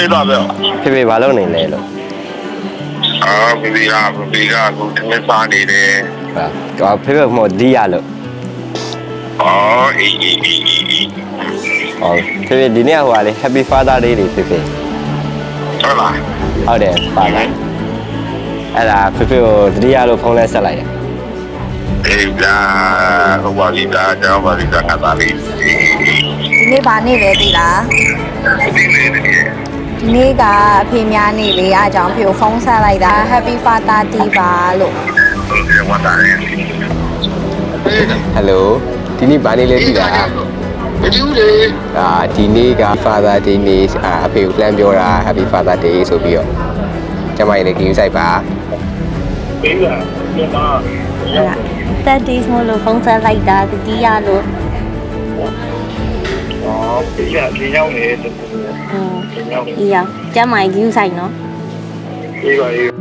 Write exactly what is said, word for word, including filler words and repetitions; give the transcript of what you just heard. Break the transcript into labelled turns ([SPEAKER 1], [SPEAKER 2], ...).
[SPEAKER 1] ဖေတော့ပြော
[SPEAKER 2] ဖေဖေဘာလုပ်နေလဲလို့
[SPEAKER 1] အာဖေဖေကဖေဖေကအခုတမစားနေတယ်
[SPEAKER 2] ဟာဖေဖေမို့ဒီရလို့
[SPEAKER 1] အော်အေးအေးအေးအေး
[SPEAKER 2] ဟုတ်ဖေဖေဒီနေ့ဟိုကလေ Happy Father Day လေးဖေဖေ
[SPEAKER 1] ဟုတ်လား
[SPEAKER 2] ဟုတ်တယ်ပါလားအဲ့ဒါဖေဖေကိုတတိယလို့ဖုန်းလဲဆက်လိုက်ရ
[SPEAKER 1] အေးဒါဟိုပါလိဒါကျောင်းပါလိဒါငါသားလေးအေးအေး
[SPEAKER 3] ဒီနေ့ဗာနေ့လဲသိလား
[SPEAKER 1] ဒီနေ့နေ
[SPEAKER 3] ဒီနေ့ကအဖေများနေ့လေးအားကြောင့်ဖေကိုဖုန်းဆက်လိုက်တာ Happy Father Day ပါလို့
[SPEAKER 1] ဒီဝတ်တာလေ
[SPEAKER 2] ဟယ်လိုဒီနေ့ဘာနေ့လဲသိလား
[SPEAKER 1] မကြည့်လေ
[SPEAKER 2] အာဒီနေ့က Father Day နေ့အာအဖေကိုလှမ်းပြောတာ Happy Father Day ဆိုပြီးတော့ကျမကြီးလည်း game site ပါ
[SPEAKER 1] ပေးလာဒီမှာ
[SPEAKER 4] that days မလို့ဖုန်းဆက်လိုက်တာတတိယလို့
[SPEAKER 1] အော်ပြရဒီရောက်နေတယ်
[SPEAKER 4] ဟင်းဒီရောက်ကျမကြီး view ဆိုင်နော်
[SPEAKER 1] အေးပါအေး